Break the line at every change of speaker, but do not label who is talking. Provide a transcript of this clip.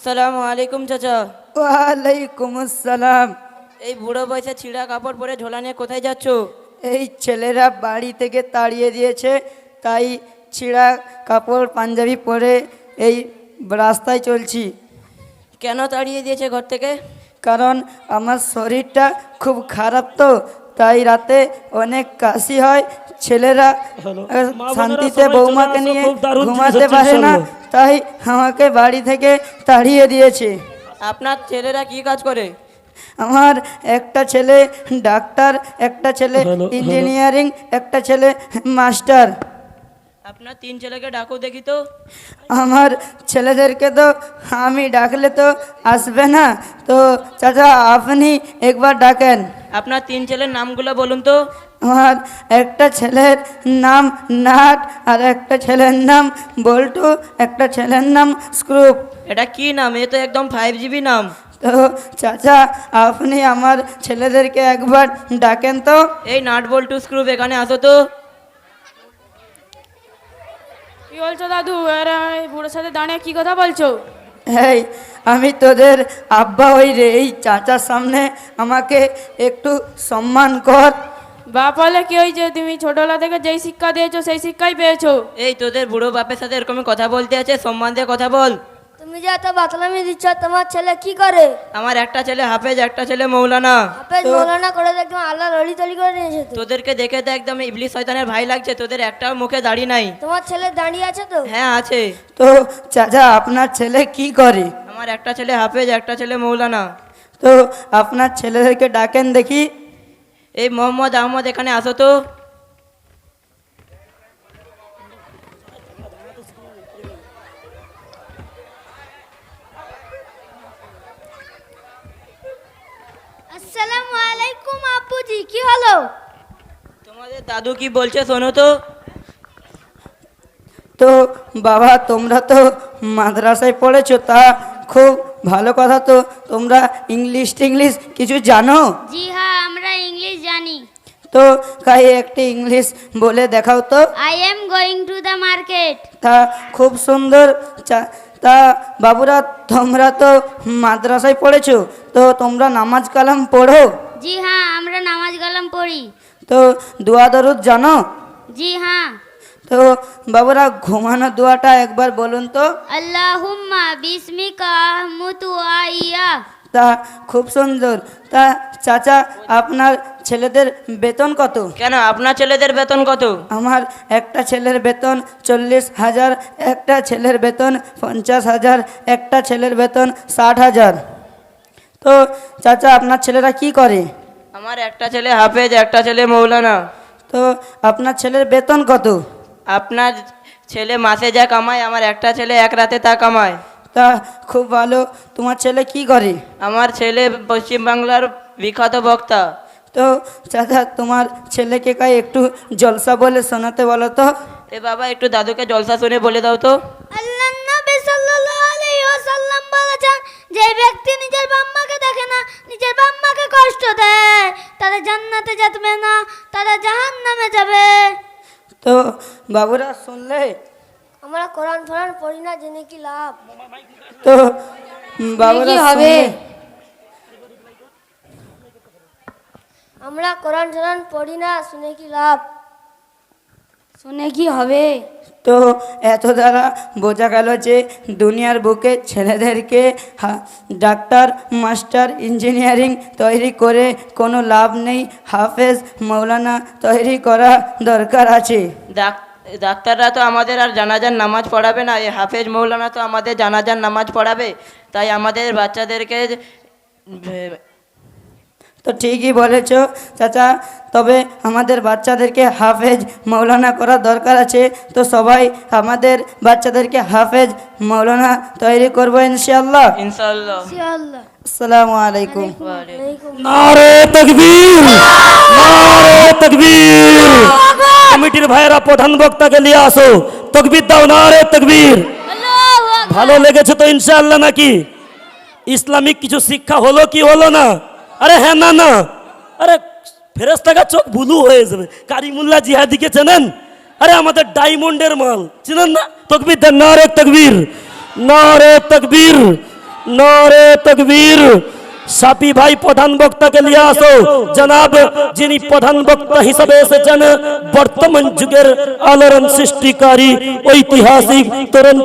সালামু আলাইকুম চাচা।
ওয়ালাইকুম আসসালাম।
এই বুড়ো বয়সে ছিঁড়া কাপড় পরে ঝোলা নিয়ে কোথায় যাচ্ছ?
এই ছেলেরা বাড়ি থেকে তাড়িয়ে দিয়েছে, তাই ছিঁড়া কাপড় পাঞ্জাবি পরে এই রাস্তায় চলছি।
কেন তাড়িয়ে দিয়েছে ঘর থেকে?
কারণ আমার শরীরটা খুব খারাপ, তো তাই রাতে অনেক কাশি হয়। ছেলেরা শান্তিতে বৌমাকে নিয়ে ঘুমাতে পারে না, তাই আমাকে বাড়ি থেকে তাড়িয়ে দিয়েছে।
আপনার ছেলেরা কি কাজ করে?
আমার একটা ছেলে ডাক্তার, একটা ছেলে ইঞ্জিনিয়ারিং, একটা ছেলে মাস্টার।
আপনার তিন ছেলেকে ডাকো দেখি তো।
আমার ছেলেদেরকে তো আমি ডাকলে তো আসবে না, তো চাচা আপনি একবার ডাকেন।
আপনার তিন ছেলের নামগুলো বলুন তো।
আমার একটা ছেলের নাম নাট, আর একটা ছেলের নাম বল্টু, একটা ছেলের নাম স্ক্রুপ।
এটা কি নাম? এ তো একদম 5GB নাম।
তো চাচা আপনি আমার ছেলেদেরকে একবার ডাকেন তো।
এই নাট বল্টু স্ক্রুপ এখানে আসো তো।
কি বলছো দাদু? আর এই বুড়োর সাথে দাঁড়িয়ে কি কথা বলছো?
এই আমি তোদের আব্বা ওই রে, এই চাচার সামনে আমাকে একটু সম্মান কর।
বাপ বলে কি ওই যে তুমি ছোটবেলা থেকে যেই শিক্ষা দিয়েছো সেই শিক্ষাই পেয়েছো।
এই তোদের বুড়ো বাপের সাথে এরকম কথা বলতে আছে? সম্মান দিয়ে কথা বল।
তুমি যে এত বাতলামি দিচ্ছ, তোমার ছেলে কি করে?
আমার একটা ছেলে হাফেজ, একটা ছেলে মৌলানা।
হাফেজ মৌলানা করে তো একদম আল্লাহ লড়ি তলি করে নিয়েছে তো।
তোদেরকে দেখে তো একদম ইবলিস শয়তানের ভাই লাগছে। তোদের একটাও মুখে দাড়ি নাই।
তোমার ছেলে দাঁড়িয়ে আছে তো?
হ্যাঁ আছে।
তো চাচা আপনার ছেলে কি করে?
আমার একটা ছেলে হাফেজ, একটা ছেলে মৌলানা।
তো আপনার ছেলেদেরকে ডাকেন দেখি।
এই মোহাম্মদ আহমদ এখানে আসো তো।
আসসালামু আলাইকুম আব্বুজি, কি হলো?
তোমাদের দাদু কি বলছে শোনো তো।
তো বাবা তোমরা তো মাদ্রাসায় পড়েছো, তা খুব ভালো কথা। তো তোমরা ইংলিশ টিংলিশ কিছু জানো?
জি হ্যাঁ, আমরা ইংলিশ জানি।
তো কাই একটি ইংলিশ বলে দেখাও তো।
I am going to the market.
তা খুব সুন্দর। তা বাবুরা তোমরা তো মাদ্রাসায় পড়েছো, তো তোমরা নামাজ কালাম পড়ো?
জি হ্যাঁ, আমরা নামাজ কালাম পড়ি।
তো দোয়া দরুদ জানো?
জি হ্যাঁ।
তো বাবুরা ঘুমানো দোয়াটা একবার বলুন তো।
আল্লাহুম্মা বিসমিকা আহমুতু আইয়া।
তা খুব সুন্দর। তা চাচা আপনার ছেলেদের বেতন কত?
কেন আপনার ছেলেদের বেতন কত?
আমার একটা ছেলের বেতন 40,000, একটা ছেলের বেতন 50,000, একটা ছেলের বেতন 60,000। তো চাচা আপনার ছেলেরা কি করে?
আমার একটা ছেলে হাফেজ, একটা ছেলে মৌলানা।
তো আপনার ছেলের বেতন কত?
আপনার ছেলে মাসে যা কামায়, আমার একটা ছেলে এক রাতে তা কামায়।
তা খুব ভালো। তোমার ছেলে কি করে?
আমার ছেলে পশ্চিমবাংলার বিখ্যাত বক্তা।
তো চাচা তোমার ছেলেকে কাই একটু জলসা বলে শোনাতে বলো তো।
এ বাবা একটু দাদুকে জলসা শুনে বলে দাও তো।
আল্লাহর নবী সাল্লাল্লাহু আলাইহি ওয়াসাল্লাম বলেছেন, যে ব্যক্তি নিজের বাম্মাকে দেখে না, নিজের বাম্মাকে কষ্ট দেয়, তারা জান্নাতে যাবে না, তারা জাহান্নামে যাবে।
তো বাবুরা শুনলে?
আমরা কোরআন ফোরান পড়ি না, জেনে কি লাভ?
তো বাবুরা
কি হবে?
শুনলে?
আমরা কোরআন ফোরান পড়ি না, শুনে কি লাভ? শুনে কি হবে?
তো এত দ্বারা বোঝা গেল যে দুনিয়ার বুকে ছেলেদেরকে ডাক্তার, মাস্টার, ইঞ্জিনিয়ারিং তৈরি করে কোনো লাভ নেই। হাফেজ, মৌলানা তৈরি করা দরকার আছে।
ডাক্তাররা তো আমাদের আর জানাজার নামাজ পড়াবে না, এই হাফেজ মৌলানা তো আমাদের জানাজার নামাজ পড়াবে। তাই আমাদের বাচ্চাদেরকে
তো ঠিকই বলেছ চাচা, তবে আমাদের বাচ্চাদেরকে হাফেজ মৌলানা করা দরকার আছে। তো সবাই আমাদের বাচ্চাদেরকে হাফেজ মৌলানা তৈরি করবো ইনশাআল্লাহ।
ইনশাআল্লাহ।
আসসালামু আলাইকুম।
নারে তাকবীর, নারে তাকবীর। কমিটির ভাইয়েরা প্রধান বক্তাকে নিয়ে আসো, তাকবীর দাও, নারে তাকবীর। ভালো লেগেছে তো ইনশাআল্লাহ নাকি? ইসলামিক কিছু শিক্ষা হলো কি হলো না? আরে হ্যাঁ, না না, আরে ফেরেশতার চোখ বুলু হয়ে যাবে। কারিমুল্লাহ জিহাদিকে চেনেন? আরে আমাদের ডায়মন্ডের মাল, চেনেন না? তাকবীর দেন, নারে তাকবীর, নারে তাকবীর। নারে তকবীর। সাপি ভাই প্রধান বক্তাকে নিয়ে আসো। জনাব যিনি প্রধান বক্তা হিসাবে এসেছেন বর্তমান যুগের আলোড়ন সৃষ্টিকারী ঐতিহাসিক তরুণ